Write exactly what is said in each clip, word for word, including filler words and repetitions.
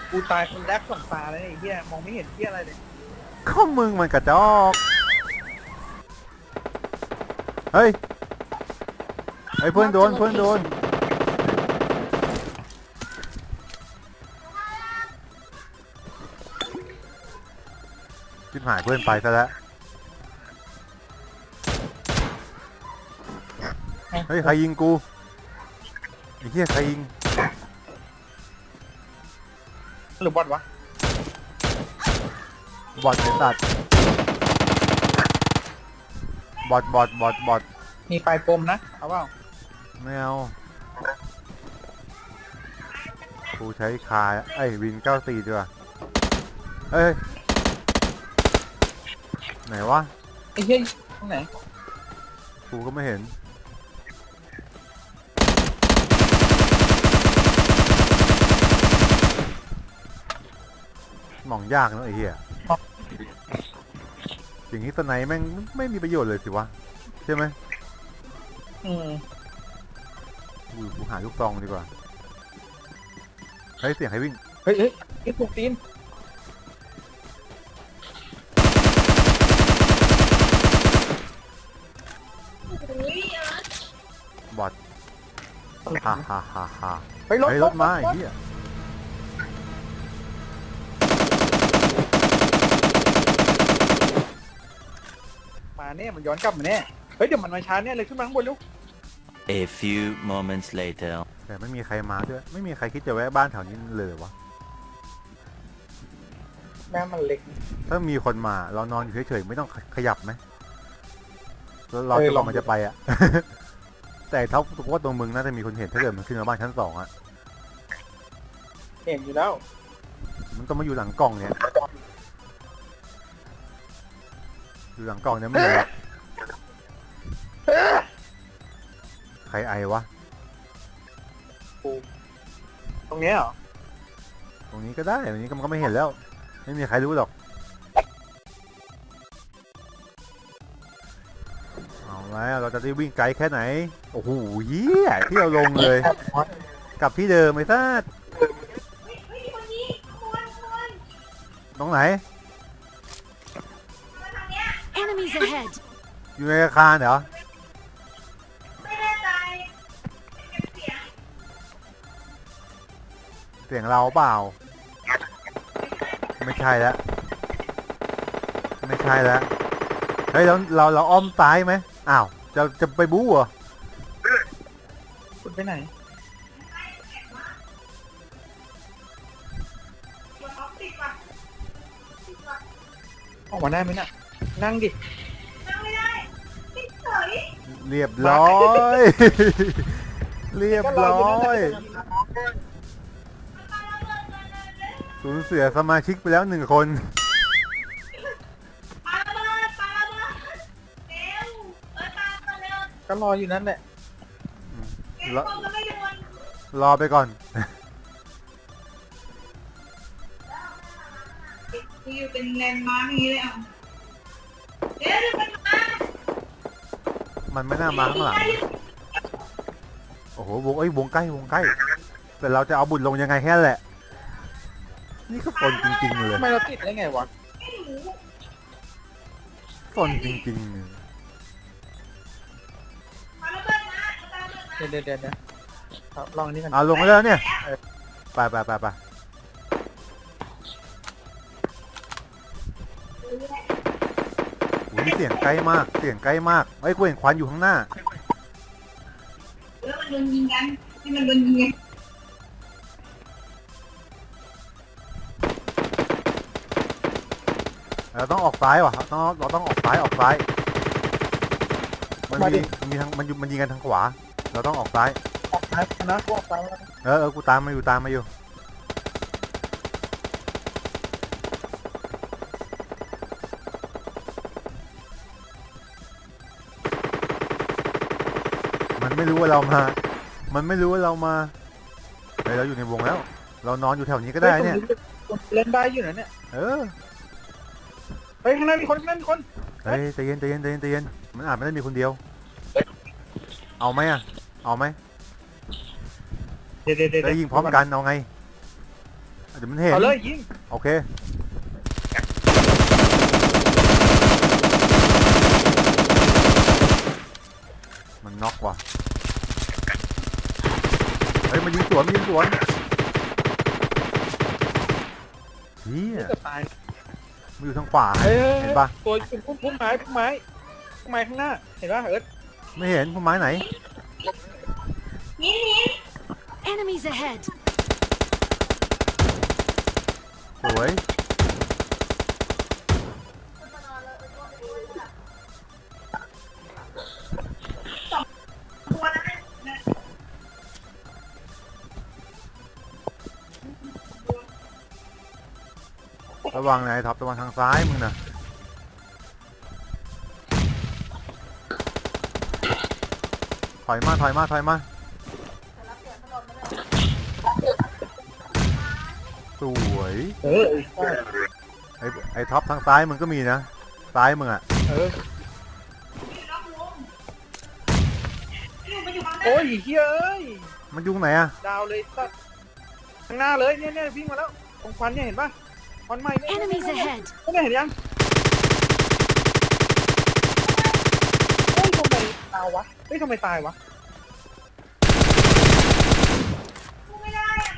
กูตายคนแรกสองตาเลยไอ้เหี้ยมองไม่เห็นเหี้ยอะไรเลยก็มึงมันกระจอกเฮ้ยไอ้เพื่อนโดนเพื่อนโดนชิบหายเพื่อนไปซะแล้วเฮ้ยใครยิงกูไอ้เหี้ยใครยิงหรือบอทวะบอทไอ้สัตว์บอทบอทบอทบอทมีปลายกลมนะเอาเปล่าไม่เอากูใช้คาไอ้วินเก้าสี่ดีกว่าเฮ้ยไหนวะไอ้เหี้ยตรงไหนกูก็ไม่เห็นมองยากเนอะไอ้เหี้ยอย่างนี้สไนแม่งไม่มีประโยชน์เลยสิวะใช่ไหมอืมกูกูหาลูกซองดีกว่าเฮ้ยเสียงใครวิ่งเฮ้ยเฮ้ยไอ้พวกตีนบอทฮ่าฮ่าฮ่าฮ่าเฮ้ยรถรถมาไอ้เหี้ยมาเนี่ยมันย้อนกลับมาเนี่ยเฮ้ยเดี๋ยวมันมาช้าเนี่ยเลยขึ้นมาข้างบนลูก A few moments later แต่ไม่มีใครมาด้วยไม่มีใครคิดจะแวะบ้านแถวนี้เลยวะแม่มันเล็กถ้ามีคนมาเรานอนอยู่เฉยๆไม่ต้องขยับไหมแล้วเราจะลองมันจะไปอ่ะ แต่เท่าว่าตรงมึงน่าจะมีคนเห็นถ้าเกิดมันขึ้นมาบ้านชั้นสองอ่ะเห็นอยู่แล้วมันต้องมาอยู่หลังกล่องเนี่ยอยู่หลังกล่องเนี่ยไม่เห็นใครไอวะตรงนี้เหรอตรงนี้ก็ได้ตรงนี้มันก็ไม่เห็นแล้วไม่มีใครรู้หรอกเอาแล้วเราจะได้วิ่งไกลแค่ไหนโอ้โหเหี้ยที่เราลงเลยกลับที่เดิมไอ้ซ่าตรงไหน Enemies ahead อยู่ในอาคารเหรอเสียงเราเปล่าไม่ใช่แล้วไม่ใช่แล้วเฮ้ยเราเราเราอ้อมซ้ายไหมอ้าวจะจะไปบู๊เหรอคุณไปไหนออกมาได้ไหมน่ะนั่งดินั่งไม่ได้เรียบร้อย เรียบร้อยสูญเสียสมาชิกไปแล้วหนึ่งคนก็รออยู่นั่นแหละรอรอไปก่อนอยู่เป็นแลนด์มาร์กนี้เลยอ่ะเดี๋ยวมันมามันไม่น่ามาข้างหลังโอ้โหวงเอ้ยวงใกล้วงใกล้แต่เราจะเอาบุญลงยังไงแค่แหละนี่ก็ฝนจริงๆเลยทำไมเราติดได้ไงวะฝนจริงๆเดี๋ยวเดี๋ยวเดี๋ยวลองนี่กันเอาลงมาแล้วเนี่ยไปไปไปไปอุ้ยเสียงใกล้มากเสียงใกล้มากไอ้กูเห็นควันอยู่ข้างหน้าแล้วมันโดนยิงกันให้มันโดนยิงกันเราต้องออกซ้ายว่ะต้องเราต้องออกซ้ายออกซ้ายมันมีมีทางมันอยู่มันยิงกันทางขวาเราต้องออกซ้ายออกซ้ายนะกูออกซ้ายเออเออกูตามมาอยู่ตามมาอยู่มันไม่รู้ว่าเรามามันไม่รู้ว่าเรามาเฮ้ยเราอยู่ในวงแล้วเรานอนอยู่แถวนี้ก็ได้เนี่ยเล่นได้อยู่นะเนี่ยเออเฮ้ยข้างหน้ามีคนข้างหน้ามีคนเฮ้ยใจเย็นใจเย็นใจเย็นใจเย็นมันอาจไม่ได้มีคนเดียวเอาไหมอ่ะเอาไหมเดี๋ยวเดี๋ยวเดี๋ยวยิงพร้อมกันเอาไงเดี๋ยวมันเห็นเอาเลยยิงโอเคมันน็อกว่ะเฮ้ยมันยิงสวนมันยิงสวนเฮียจะตายมันอยู่ทางขวาเอ้ยเห็นปะตัวพุ่มพุ่มไม้พุ่มไม้พุ่มไม้ข้างหน้าเห็นปะเอิร์ธไม่เห็นพุ่มไม้ไหนหินหิน Enemies ahead. สวยตัวนั้นนะระวังนะไอ้ท็อประวังทางซ้ายมึงนะถอยมาถอยมาถอยมาสวยเออใช่ไอ้ไอ้ท็อปทางซ้ายมึงก็มีนะซ้ายมึงอ่ะเอออยู่นอกวงอยู่มันอยู่ข้างหน้าโอ้ยเฮ้ยเอ้ยมันยุ่งไหนอ่ะดาวเลยสัตว์ข้างหน้าเลยเนี่ยเนี่ยวิ่งมาแล้วตรงควันเนี่ยเห็นปะควันไหม้เนี่ย Enemies ahead. เนี่ยเห็นยังเฮ้ยทำไมตายวะเฮ้ยทำไมตายวะสู้ไม่ได้อะ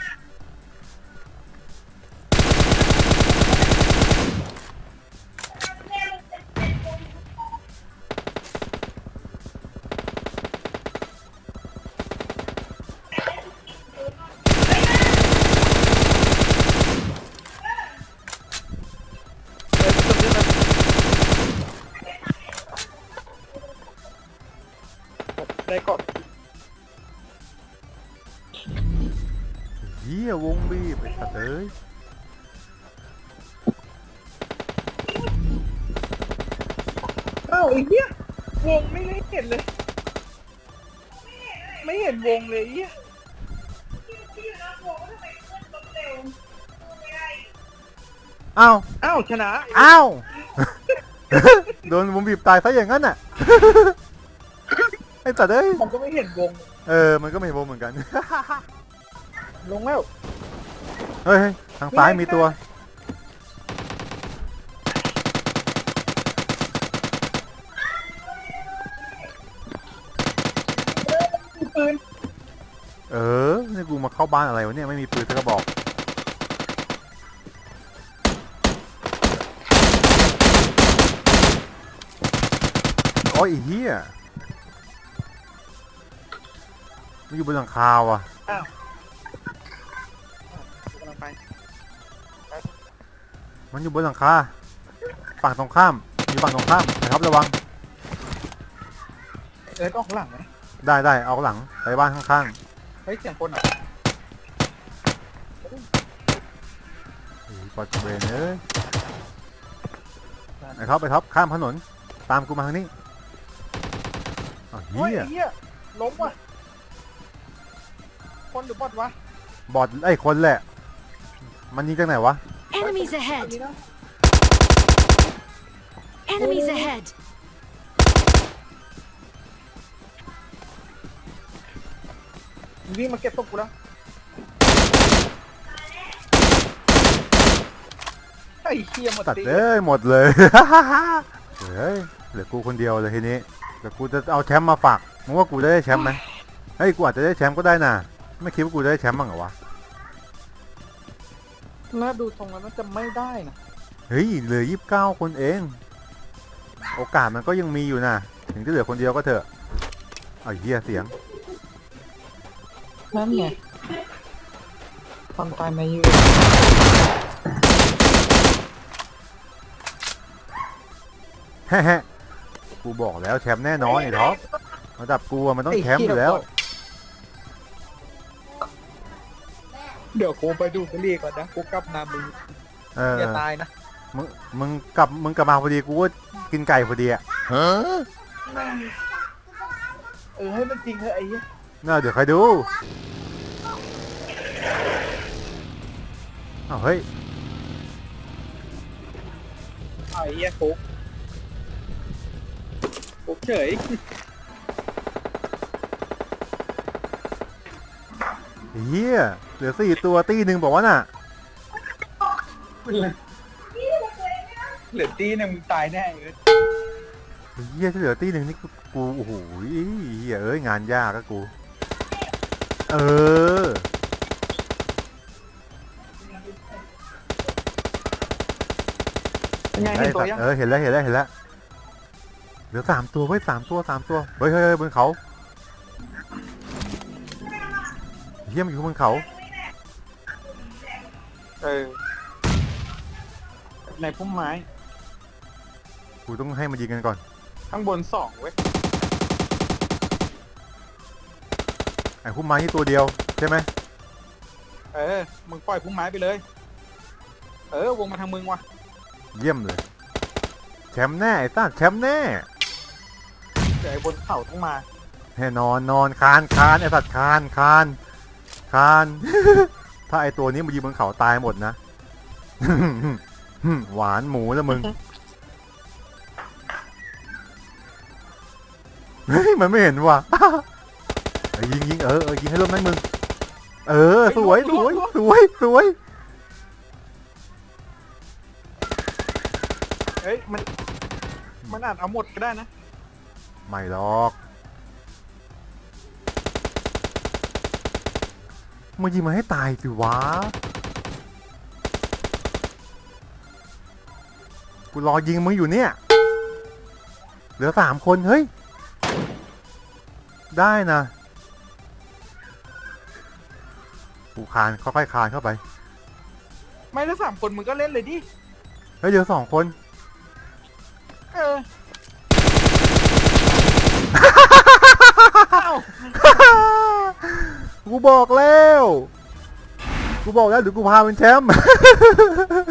เออจำได้ไหมได้ก่อนเฮียวงบีบไอ้สัตว์เอ้ยอ้าวไอ้เหี้ยวงไม่ได้เห็นเลย ไม่เห็นวงเลยไอ้เหี้ยที่ที่อยู่นอกวงทำไมเพื่อนล้มเร็วสู้ไม่ได้อ้าวอ้าวชนะอ้าว โดนวงบีบตายซะอย่างนั้นน่ะ ไอ้สัตว์เอ้ยมันก็ไม่เห็นวงเออมันก็ไม่วงเหมือนกันลงแล้วเฮ้ยเฮ้ยทางซ้ายมีตัวมีปืนเออนี่กูมาเข้าบ้านอะไรวะเนี่ยไม่มีปืนสักกระบอกโอ้ยไอ้เหี้ยมันอยู่บนหลังคาว่ะอ้าวกำลังไปมันอยู่บนหลังคาฝั่งตรงข้ามอยู่ฝั่งตรงข้ามนะครับระวังเอิร์ธออกหลังไหมได้ได้เอาหลังไปบ้านข้างเฮ้ยเสียงคนอ่ะๆไอ้ปอดเบรนเอ้ยไอ้ท็อปไอ้ท็อปข้ามถนนตามกูมาทางนี้อ้าวโอ้ยเหี้ยไอ้เหี้ยล้มว่ะคนหรือบอทวะบอดไอ้คนแหละ มันยิงจากไหนวะ Enemies อัน ahead. นี้นะ Enemies ahead. มันวิ่งมาเก็บศพกูแล้วไอ้เหี้ยหมดตัดตีเลยหมดเลย เฮ้ยเหลือกูคนเดียวเลยทีนี้เดี๋ยวกูจะเอาแชมป์มาฝากมึงว่ากูจะได้แชมป์ไหมเฮ้ยกูอาจจะได้แชมป์ก็ได้น่ะไม่คิดว่ากูจะได้แชมป์บ้างเหรอวะน่าดูทรงแล้วน่าจะไม่ได้นะเฮ้ยเหลือยี่สิบเก้าคนเอง โอกาสมันก็ยังมีอยู่นะถึงจะเหลือคนเดียวก็เถอะไอ้เหี้ยเสียงนั่นไงความตายมายืนแฮะกูบอกแล้วแชมป์แน่นอนไอ้ท็อประดับกูอะมันต้องแชมป์อยู่แล้วเดี๋ยวกูไปดูกรีก่อนนะกูกลับนามึงเอออย่าตายนะมึงมึงกลับมึงกลับมาพอดีกูก็กินไก่พอดีอ่ะเออให้มันจริงเถอะไอ้เหี้ยน่าเดี๋ยวใครดูอ้าวเฮ้ยไอ้เหี้ยฟุกฟุกเฉยเฮียเหลือสี่ตัวตีหนึ่งบอกว่าน่ะเหลือตีหนึ่งมึงตายแน่เลยเฮียที่เหลือตีหนึ่งนี่กูกูโอ้โหเฮียเอ้ยงานยากก็กู เออยังไงเห็นตัวยังเออเห็นแล้วเห็นแล้วเห็นแล้วเหลือสามตัวเว้ยสามตัวสามตัวเฮ้ยเฮ้ยเฮ้ยบนเขาเฮียมันอยู่บนเขาเออในพุ่มไม้กูต้องให้มันยิงกันก่อนข้างบนสองเว้ยไอ้พุ่มไม้นี่ตัวเดียวใช่ไหมเออมึงปล่อยพุ่มไม้ไปเลย เออวงมาทางมึงว่ะเยี่ยมเลยแชมป์แน่ไอ้ต้าแชมป์แน่เดี๋ยวไอ้บนเขาต้องมาแน่นอนนอนคานคานไอ้สัตว์คานคานคาน ถ้าไอ้ตัวนี้มายิงบนเขาตายหมดนะ หวานหมูแล้วมึง เฮ้ยมันไม่เห็นว่ะ เออยิงยิงเออเออยิงให้ร่มนั้นมึง เออสวยสวยสวยสวยเฮ้ยมันมันอาจเอาหมดก็ได้นะไม่หรอกมึงยิงมาให้ตายสิวะกูรอยิงมึงอยู่เนี่ยเหลือสามคนเฮ้ยได้นะกูคานค่อยๆคานเข้าไปไม่แล้วสามคนมึงก็เล่นเลยดิเฮ้ยเหลือสองคนเอออ้าวกูบอกแล้ว กูบอกแล้วเดี๋ยวกูพาเป็นแชมป์